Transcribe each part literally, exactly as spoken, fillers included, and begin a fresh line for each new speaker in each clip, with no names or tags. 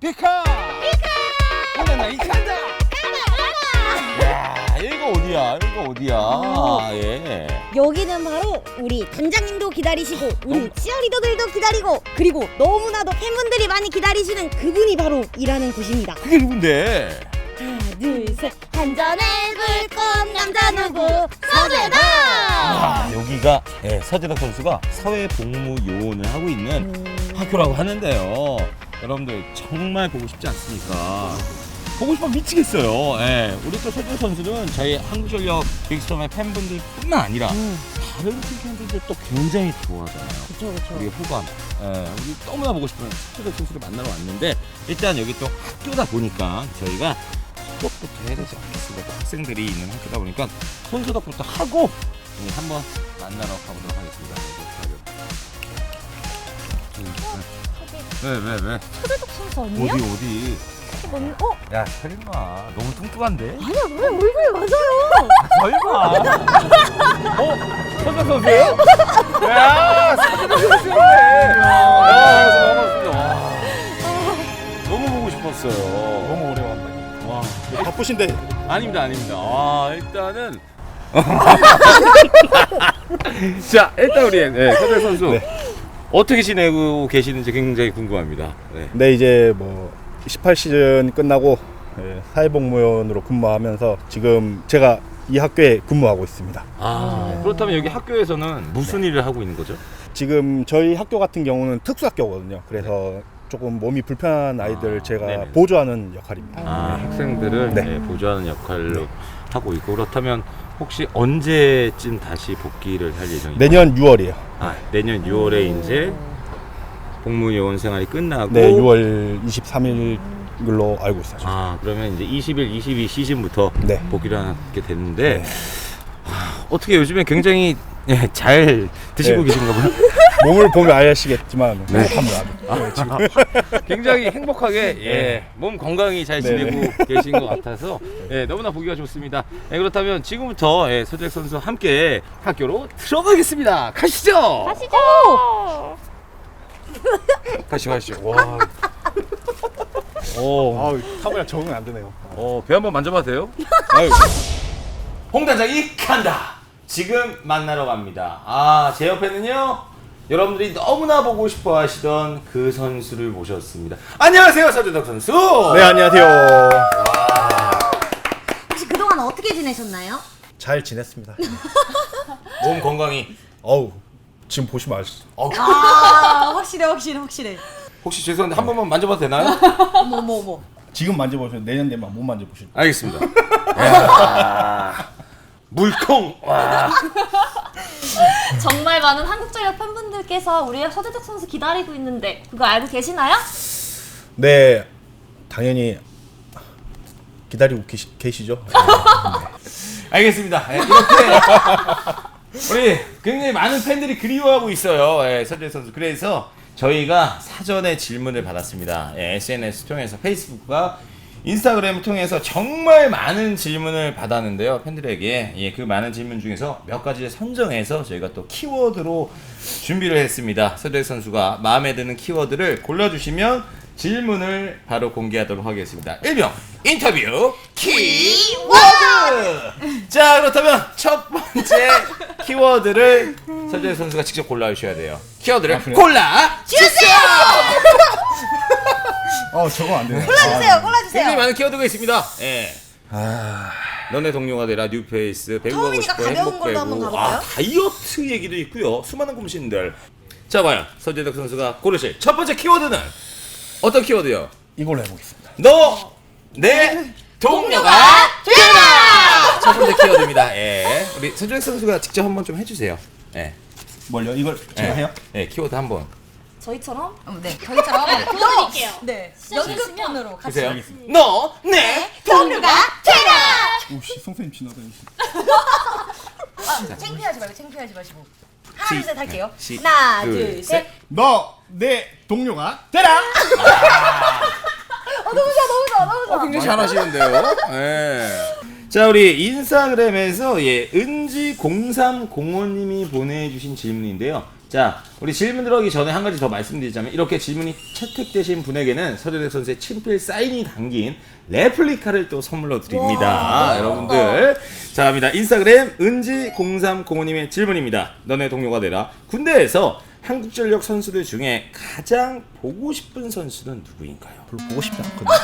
피카 피카 오나나 이칸다 야 여기가 어디야 여기가 어디야 아, 예.
여기는 바로 우리 단장님도 기다리시고 우리 치어리더들도 기다리고 그리고 너무나도 팬분들이 많이 기다리시는 그분이 바로 일하는 곳입니다.
그게 누군데?
하나 둘셋 한전의 불꽃 남자 누구 서재다.
아, 여기가 예, 서재덕 선수가 사회복무요원을 하고 있는
음...
학교라고 하는데요. 여러분들 정말 보고 싶지 않습니까? 보고 싶어 미치겠어요. 예, 우리 또 서재덕 선수는 저희 한국전력 빅스톰의 팬분들뿐만 아니라
음.
다른 팀 팬분들 또 굉장히 좋아하잖아요.
그쵸 그쵸.
우리 후반, 예, 우리 너무나 보고 싶은 서재덕 선수를 만나러 왔는데 일단 여기 또 학교다 보니까 저희가 수업부터 해야 되지 않겠습니까? 학생들이 있는 학교다 보니까 손소독부터 하고 네, 한번 만나러 가보도록 하겠습니다. 왜, 왜, 왜?
서재덕 선수
어디,
아니에요?
어디?
뭔, 어?
야, 설마. 너무 뚱뚱한데?
아니야 왜 얼굴이 맞아요.
설마. 어? 서재 선수예요? 야, 서재 선수네. 야, 반갑습니다. 너무 보고 싶었어요.
너무 오래 왔네.
와.
바쁘신데.
아닙니다, 아닙니다. 아, 일단은. 자, 일단 우리 네, 서재 선수.
네.
어떻게 지내고 계시는지 굉장히 궁금합니다. 네.
네, 이제 뭐 십팔 시즌 끝나고 예, 사회복무원으로 근무하면서 지금 제가 이 학교에 근무하고 있습니다.
아, 그렇다면 여기 학교에서는 무슨 일을 하고 있는 거죠?
지금 저희 학교 같은 경우는 특수학교거든요. 그래서 조금 몸이 불편한 아이들
아,
제가
네네.
보조하는 역할입니다.
아, 학생들을
네.
네, 보조하는 역할로
네.
하고 있고 그렇다면 혹시 언제쯤 다시 복귀를 할 예정인가요?
내년 유월이에요.
아, 내년 유월에 이제 복무요원 생활이 끝나고
네, 유월 이십삼 일로 알고 있어요.
아, 그러면 이제 이십일, 이십이 시즌부터
네.
복귀를 하게 됐는데
네.
하, 어떻게 요즘에 굉장히 예, 잘 드시고
네.
계신가 봐요.
몸을 보면 아시겠지만
네.
행복합니다. 네, 지금.
굉장히 행복하게 예, 몸 건강히 잘
네네.
지내고 계신 것 같아서 예, 너무나 보기가 좋습니다. 예, 그렇다면 지금부터 예, 서재덕 선수 함께 학교로 들어가겠습니다. 가시죠.
가시죠.
가시죠, 가시죠. 와, 오,
아우, 카메라 적응 안 되네요.
어, 배 한번 만져봐도 돼요? 아유. 홍단장이 간다. 지금 만나러 갑니다. 아, 제 옆에는요. 여러분들이 너무나 보고 싶어 하시던 그 선수를 모셨습니다. 안녕하세요, 서재덕 선수.
네, 안녕하세요.
혹시 그동안 어떻게 지내셨나요?
잘 지냈습니다.
몸 건강히.
어우, 지금 보시면 아시죠?
아 확실해 확실해 확실해.
혹시 죄송한데 한 번만 만져봐도 되나요?
어머 어머 어머.
지금 만져보시면 내년 되면 못 만져보실 거예요.
알겠습니다. 야, 물콩. 와.
정말 많은 한국전력 팬분들께서 우리 서재덕 선수 기다리고 있는데 그거 알고 계시나요?
네, 당연히 기다리고 계시, 계시죠?
알겠습니다. 예, 이렇게 우리 굉장히 많은 팬들이 그리워하고 있어요. 예, 서재 선수. 그래서 저희가 사전에 질문을 받았습니다. 예, 에스엔에스 통해서 페이스북과 인스타그램을 통해서 정말 많은 질문을 받았는데요. 팬들에게 예, 그 많은 질문 중에서 몇 가지를 선정해서 저희가 또 키워드로 준비를 했습니다. 서재 선수가 마음에 드는 키워드를 골라주시면 질문을 바로 공개하도록 하겠습니다. 일명 인터뷰 키워드! 자, 그렇다면 첫 번째 키워드를 서재 선수가 직접 골라주셔야 돼요. 키워드를 골라주세요!
어, 저거 안 되네.
골라주세요
굉장히
골라주세요.
많은 키워드가 있습니다. 예.
아,
너네 동료가 되라, 뉴페이스, 배구 하고
처음이니까
싶어,
가벼운
행복
걸로 한번
배구,
가볼까요?
아, 다이어트 얘기도 있고요. 수많은 고민들. 자, 과연 서재덕 선수가 고르실 첫 번째 키워드는 어떤 키워드요?
이걸로 해보겠습니다.
너, 내 동료가 되라! 첫 번째 키워드입니다. 예. 우리 서재덕 선수가 직접 한번 좀 해주세요. 예.
뭘요? 이걸 제가
예.
해요?
예, 키워드 한번.
저희처럼
네 저희처럼
보여드릴게요.
네
시작하시면
연극본으로 같이.
보세요. 너, 내
동료가 되라.
오씨, 선생님 지나다니시.
아, 창피하지 말고 창피하지 마시고. 하나
시-
둘 셋 할게요.
시-
하나
둘,
둘
셋.
셋.
너 내 동료가 되라.
어 너무 좋아 너무 좋아 너무 좋아.
어, 굉장히 잘하시는데요. 예. 자, 우리 인스타그램에서 예, 은지 공삼공오님이 보내주신 질문인데요. 자, 우리 질문 들어가기 전에 한 가지 더 말씀드리자면 이렇게 질문이 채택되신 분에게는 서재덕 선수의 친필 사인이 담긴 레플리카를 또 선물로 드립니다. 여러분들. 자, 갑니다. 인스타그램 은지 공삼공오님의 질문입니다. 너네 동료가 되라. 군대에서 한국전력 선수들 중에 가장 보고 싶은 선수는 누구인가요?
별로 보고 싶지 않거든요.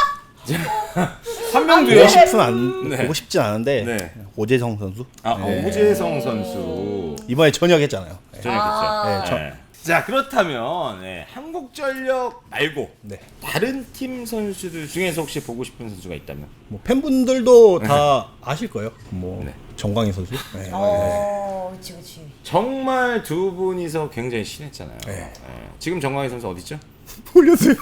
한 명도요?
보고 싶은 안
네.
보고 싶진 않은데
네.
오재성 선수
아,
네.
오재성 선수.
이번에 전역했잖아요. 네.
저는
아.
그렇죠.
네, 저-
네. 자, 그렇다면 네, 한국전력 말고
네.
다른 팀 선수들 중에서 혹시 보고 싶은 선수가 있다면?
뭐 팬분들도 다 아실 거예요. 뭐
네.
정광희 선수. 네.
어, 그치 그치.
정말 두 분이서 굉장히 친했잖아요.
네.
네. 지금 정광희 선수 어디 있죠?
올렸어요.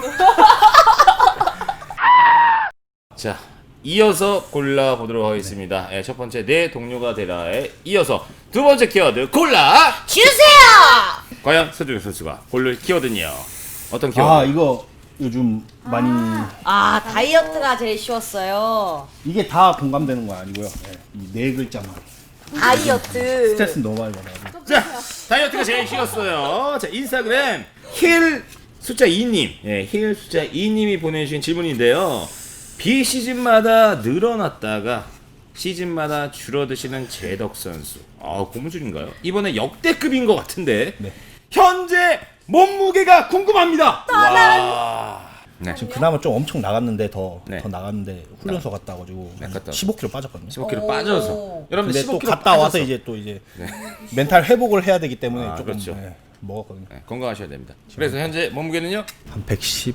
자, 이어서 골라보도록 하겠습니다. 네, 첫 번째 내 동료가 되라에 이어서 두 번째 키워드 골라
주세요.
과연 서준혁 선수가 고를 키워드는요? 어떤 키워드?
아 이거 요즘 많이
아 다이어트가 제일 쉬웠어요.
이게 다 공감되는 거 아니고요. 네. 이 네 글자만
다이어트.
스트레스 너무 많이 받아요.
자, 다이어트가 제일 쉬웠어요. 자, 인스타그램 힐 숫자 이님, 예, 힐 숫자 이님이 보내주신 질문인데요. 비시즌마다 늘어났다가 시즌마다 줄어드시는 재덕 선수. 아, 고무줄인가요? 이번에 역대급인 것 같은데
네.
현재 몸무게가 궁금합니다. 와. 네.
지금 그나마 좀 엄청 나갔는데 더 더
네.
나갔는데 훈련소 갔다 와가지고
네, 갔다
십오 킬로그램 빠졌거든요.
십오 킬로그램 빠져서. 여러분들
근데
십오
또
킬로그램
갔다 와서
빠져서.
이제 또 이제 멘탈 회복을 해야 되기 때문에
아,
조금
그렇죠.
네, 먹었거든요.
네, 건강하셔야 됩니다. 그래서 현재 몸무게는요?
한 백십.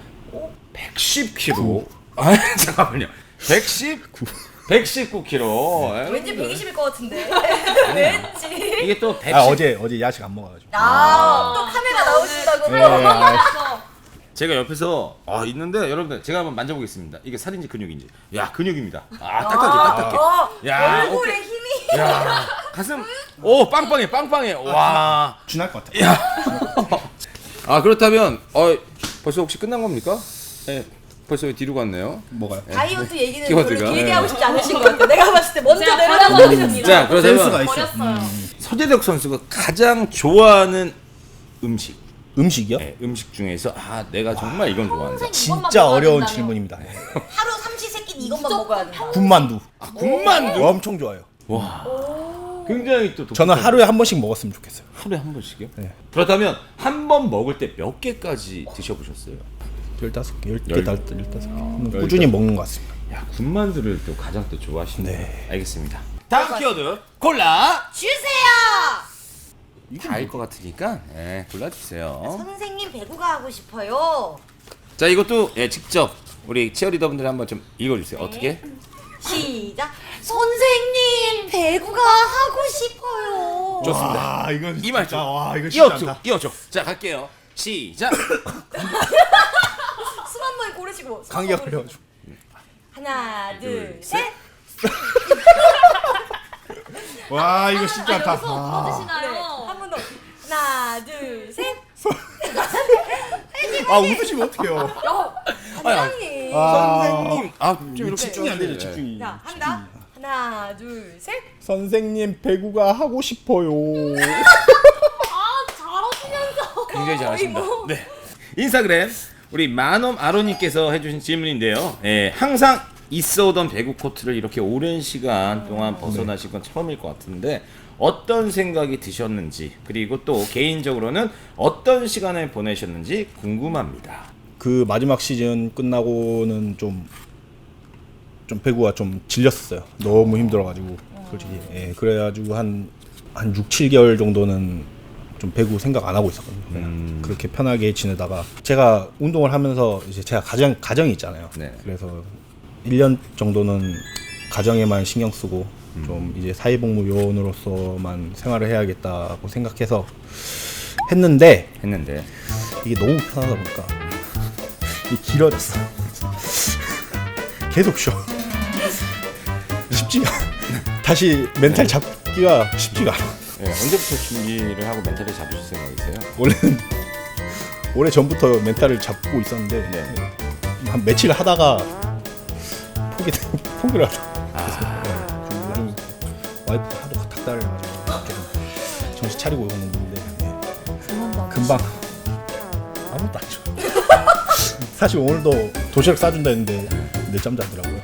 백십 킬로그램. 아, 잠깐만요. 백십구. 백십구 킬로그램.
왠지 백이십일 것 같은데.
왠지. 이게 또 백십.
아 어제 어제 야식 안 먹어가지고.
아또 카메라 나오신다고.
네, 아,
제가 옆에서 아 있는데 여러분들 제가 한번 만져보겠습니다. 이게 살인지 근육인지. 야, 근육입니다. 아, 딱딱해, 딱딱해.
어,
야,
얼굴에
어깨.
힘이.
야, 가슴. 오, 빵빵해, 빵빵해. 와.
준할 것 같아.
아, 그렇다면 어 벌써 혹시 끝난 겁니까? 네. 벌써 뒤로 갔네요.
뭐가요?
다이어트 얘기는
키워드가.
별로 길게
네.
하고 싶지 않으신 것 같아. 내가 봤을 때 먼저
제가
내려가고
버려버렸습니다.
자,
센스가
그렇다면
있어.
버렸어요.
서재덕 선수가 가장 좋아하는 음식.
음식이요?
네, 음식 중에서 아, 내가 정말 이건 좋아한다.
진짜 어려운 질문입니다. 네.
하루 삼시세끼 이것만 먹어야 된다.
군만두.
아, 군만두.
엄청 좋아요.
와. 굉장히 또
저는
독특한-
하루에 한 번씩 먹었으면 좋겠어요.
하루에 한 번씩이요?
네.
그렇다면 한 번 먹을 때 몇 개까지 드셔보셨어요?
열다섯 개, 열 개,
열-
열다섯 개.
열다섯
꾸준히 먹는 것 같습니다.
야, 군만두를 또 가장 또 좋아하시네.
네.
알겠습니다. 다음 키워드 골라.
주세요.
다 알 것 같으니까 네, 골라주세요.
선생님 배구가 하고 싶어요.
자, 이것도 예, 직접 우리 치어리더분들 한번 좀 읽어주세요. 어떻게?
시작. 선생님 배구가 하고 싶어요.
좋습니다.
아 이건
이 말씀.
와 이거
이어줘, 이어줘. 자, 갈게요. 시작.
숨 한 번 고르시고. 숨
감기가
한번 고르시고.
걸려가지고.
하나, 둘,
둘,
셋.
와 이거 쉽지
아,
않다.
여기서
아.
부러지시나요?
한 번 더. 하나, 둘, 셋.
아 웃으시면 어떡해요?
야, 단장님.
아.
선생님. 아, 좀 이렇게
집중이 안 되죠
네.
집중이.
자, 한다. 하나, 둘, 셋.
선생님 배구가 하고 싶어요.
아, 잘하시면서.
굉장히 잘하십니다.
어이구.
네. 인스타그램 우리 만엄 아로님께서 해주신 질문인데요. 예, 항상 있어오던 배구 코트를 이렇게 오랜 시간 동안 벗어나신 건 처음일 것 같은데 어떤 생각이 드셨는지 그리고 또 개인적으로는 어떤 시간을 보내셨는지 궁금합니다.
그 마지막 시즌 끝나고는 좀 좀 배구가 좀 질렸어요. 너무 힘들어가지고 솔직히. 예, 그래가지고 한 한 육, 칠 개월 정도는 좀 배구 생각 안 하고 있었거든요. 그냥
음.
그렇게 편하게 지내다가 제가 운동을 하면서 이제 제가 가정 가정이 있잖아요.
네.
그래서 일 년 정도는 가정에만 신경 쓰고 좀 이제 사회복무 요원으로서만 생활을 해야겠다고 생각해서 했는데
했는데
이게 너무 편하다 보니까 이게 길어졌어. 계속 쉬어. 쉽지가 않아. 다시 멘탈 잡기가 쉽지가 않아.
예, 언제부터 준비를 하고 멘탈을 잡으실 생각이세요?
원래는 오래 전부터 멘탈을 잡고 있었는데
네.
한 며칠 하다가 포기 포기를 하다.
아,
좀 요즘 와이프 하도 닥달해가지고 좀 정신 차리고 오는 건데. 네. 금방 아무것도 안 줘. 사실 오늘도 도시락 싸준다 했는데 늦잠 자더라고요.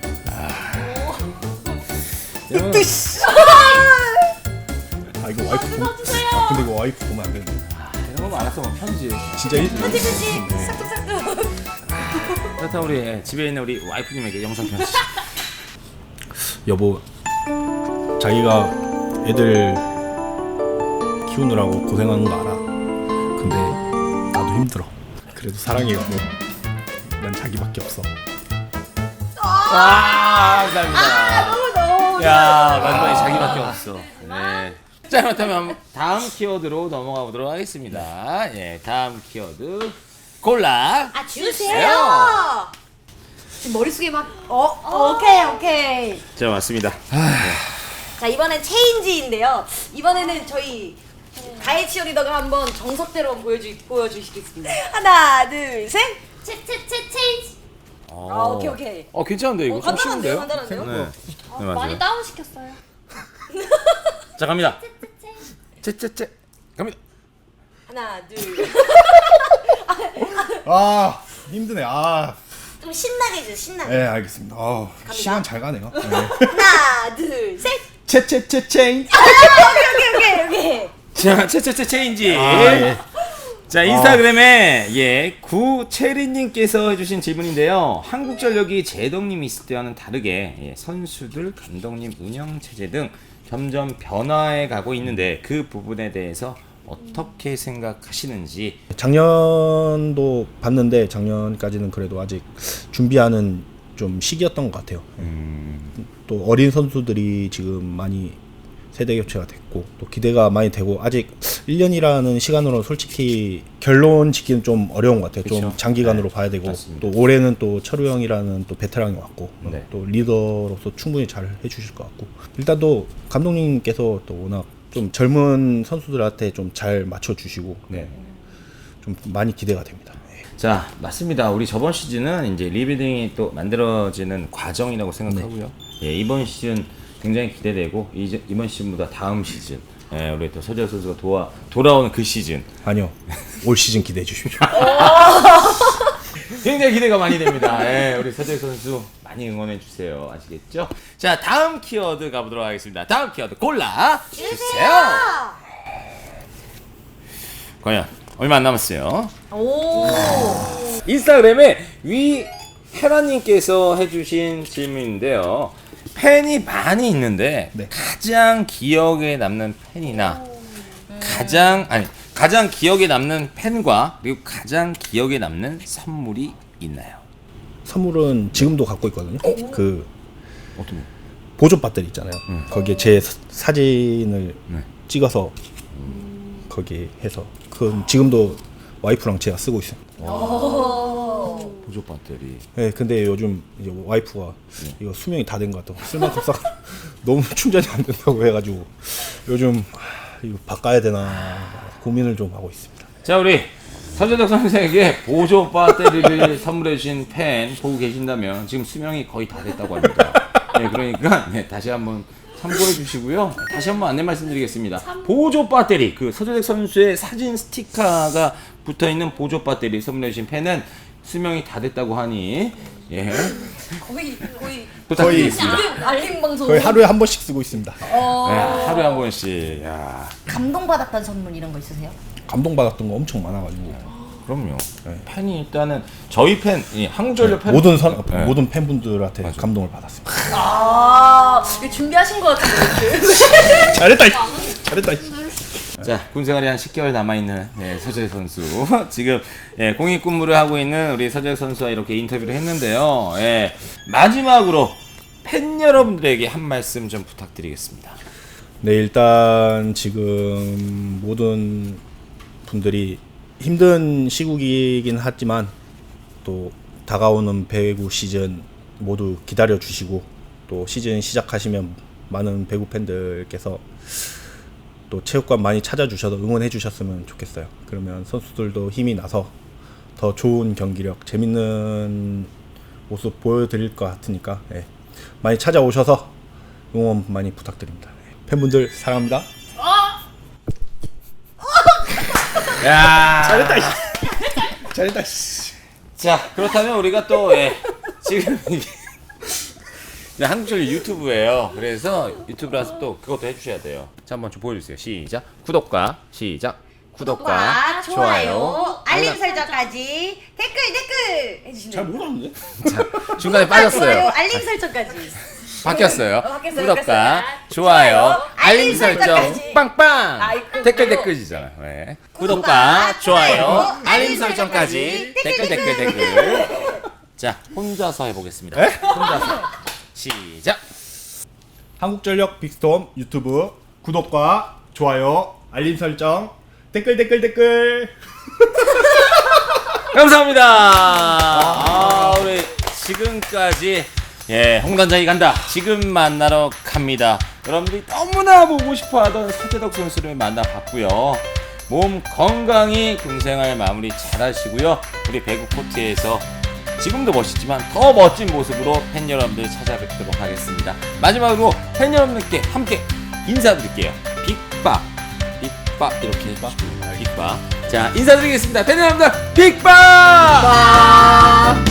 뜻.
아 이거 와이프 보면 아, 근데 이거 와이프 보면 안 되는데.
이런 거 많았어 뭐 편지.
진짜 일
편지 편지 싹둑싹둑.
그렇다면 우리 예, 집에 있는 우리 와이프님에게 영상 편지.
여보, 자기가 애들 키우느라고 고생하는 거 알아. 근데 나도 힘들어. 그래도 사랑해 여보. 난 자기밖에 없어.
와 감사합니다.
너무 너무
야 마지막에 자기밖에 없어. 네. 자 그렇다면 다음 키워드로 넘어가 보도록 하겠습니다. 예, 다음 키워드 골라
아 주세요. 지금 머릿속에 막 어, 오케이 오케이.
자 맞습니다.
자 이번엔 체인지인데요. 이번에는 저희 가해 치어리더가 한번 정석대로 보여주 보여주시겠습니다. 하나 둘 셋.
채채채 체인지.
아 오케이 오케이.
어 괜찮은데 이거
어,
좀
간단한데요,
쉬운데요?
간단한데요?
네. 네 맞아요.
많이 다운 시켰어요.
자 갑니다. 째째째 갑니다.
하나 둘.
아 힘드네. 아,
좀 신나게 해주세요. 신나게.
네 알겠습니다. 아, 시간 잘 가네요. 네.
하나 둘 셋.
채채채채.
오케이 오케이 오케이.
자 째째째 체인지.
아, 예.
자 인스타그램에 예 구체리님께서 해주신 질문인데요. 한국전력이 제동님 있을 때와는 다르게 예, 선수들, 감독님 운영 체제 등 점점 변화해 가고 있는데 그 부분에 대해서 어떻게 생각하시는지.
작년도 봤는데 작년까지는 그래도 아직 준비하는 좀 시기였던 것 같아요.
음,
또 어린 선수들이 지금 많이 세대 교체가 됐고 또 기대가 많이 되고 아직 일 년이라는 시간으로 솔직히 결론 짓기는 좀 어려운 것 같아요. 좀
그쵸.
장기간으로
네,
봐야 되고
맞습니다.
또 올해는 또 철우 형이라는 또 베테랑이 왔고
네.
또 리더로서 충분히 잘 해주실 것 같고 일단 또 감독님께서 또 워낙 좀 젊은 선수들한테 좀 잘 맞춰주시고
네.
좀 많이 기대가 됩니다. 네.
자 맞습니다. 우리 저번 시즌은 이제 리빌딩이 또 만들어지는 과정이라고 생각하고요. 예, 이번 시즌 굉장히 기대되고 이제 이번 시즌보다 다음 시즌 예, 우리 또 서재혁 선수가 도와 돌아오는 그 시즌
아니요, 올 시즌 기대해 주십시오.
굉장히 기대가 많이 됩니다. 예, 우리 서재혁 선수 많이 응원해 주세요. 아시겠죠? 자 다음 키워드 가보도록 하겠습니다. 다음 키워드 골라 주세요. 과연 얼마 안 남았어요.
오.
인스타그램에 위 헤라님께서 해주신 질문인데요. 팬이 많이 있는데
네.
가장 기억에 남는 팬이나 가장 아니 가장 기억에 남는 팬과 그리고 가장 기억에 남는 선물이 있나요?
선물은 지금도 갖고 있거든요. 그
어떤 거?
보조 배터리 있잖아요.
음.
거기에 제 사- 사진을
네.
찍어서 거기 해서 그 지금도 와이프랑 제가 쓰고 있어요.
보조 배터리.
네, 근데 요즘 이제 와이프가
네.
이거 수명이 다 된 것 같다고 쓸 만큼 싹 너무 충전이 안 된다고 해가지고 요즘 하, 이거 바꿔야 되나 고민을 좀 하고 있습니다.
자 우리 서재덕 선수에게 보조 배터리를 선물해 주신 팬 보고 계신다면 지금 수명이 거의 다 됐다고 합니다. 네, 그러니까 네, 다시 한번 참고해 주시고요. 다시 한번 안내 말씀드리겠습니다. 보조 배터리 그 서재덕 선수의 사진 스티커가 붙어 있는 보조 배터리 선물해 주신 팬은 수명이 다 됐다고 하니 예
거의 거의
부탁드리겠습니다.
알림, 알림 방송.
거의 하루에 한 번씩 쓰고 있습니다.
네, 하루에 한 번씩. 야,
감동받았던 선물 이런 거 있으세요?
감동받았던 거 엄청 많아가지고
그럼요. 팬이 일단은 저희 팬, 이 한국전력 팬
모든 선
네.
모든 팬분들한테
맞아.
감동을 받았습니다.
아 이거 준비하신 것 같은데.
잘했다, 잘했다.
자, 군생활이 한 십 개월 남아있는 예, 서재혁 선수. 지금 예, 공익근무를 하고 있는 우리 서재혁 선수와 이렇게 인터뷰를 했는데요. 예, 마지막으로 팬 여러분들에게 한 말씀 좀 부탁드리겠습니다.
네, 일단 지금 모든 분들이 힘든 시국이긴 하지만 또 다가오는 배구 시즌 모두 기다려 주시고 또 시즌 시작하시면 많은 배구 팬들께서 또 체육관 많이 찾아주셔서 응원해 주셨으면 좋겠어요. 그러면 선수들도 힘이 나서 더 좋은 경기력, 재밌는 모습 보여드릴 것 같으니까 예, 많이 찾아오셔서 응원 많이 부탁드립니다. 예, 팬분들 사랑합니다.
야.
잘했다. 씨. 잘했다. 씨.
자, 그렇다면 우리가 또 예, 지금 이게 네, 한국철 유튜브예요. 그래서 유튜브라서 또 그것도 해주셔야 돼요. 자, 한번 좀 보여주세요. 시작. 구독과 시작. 구독과
구독과
좋아요,
좋아요, 알림 설정까지 댓글 댓글 해주시면
잘
됩니다.
못하는데?
자, 중간에
좋아요,
빠졌어요.
알림 설정까지.
바뀌었어요.
어, 바뀌었어요,
구독과
바뀌었어요.
좋아요,
좋아요,
알림
알림
설정
설정까지.
빵빵.
아이고.
댓글 댓글이잖아요. 네. 구독과
구독과
좋아요,
좋아요,
알림
알림
설정까지
설정까지.
댓글 댓글 댓글. 자, 혼자서 해보겠습니다. 혼자서 시작.
한국전력 빅스톰 유튜브 구독과 좋아요, 알림 설정, 댓글 댓글 댓글.
감사합니다. 아, 우리 지금까지 예, 홍단장이 간다. 지금 만나러 갑니다. 여러분들이 너무나 보고 싶어하던 서재덕 선수를 만나봤고요. 몸 건강히 군생활 마무리 잘하시고요. 우리 배구 코트에서 지금도 멋있지만 더 멋진 모습으로 팬 여러분들 찾아뵙도록 하겠습니다. 마지막으로 팬 여러분들께 함께 인사드릴게요. 빅밥, 빅밥 이렇게 해주시면 빅밥. 자, 인사드리겠습니다. 팬 여러분들 빅밥!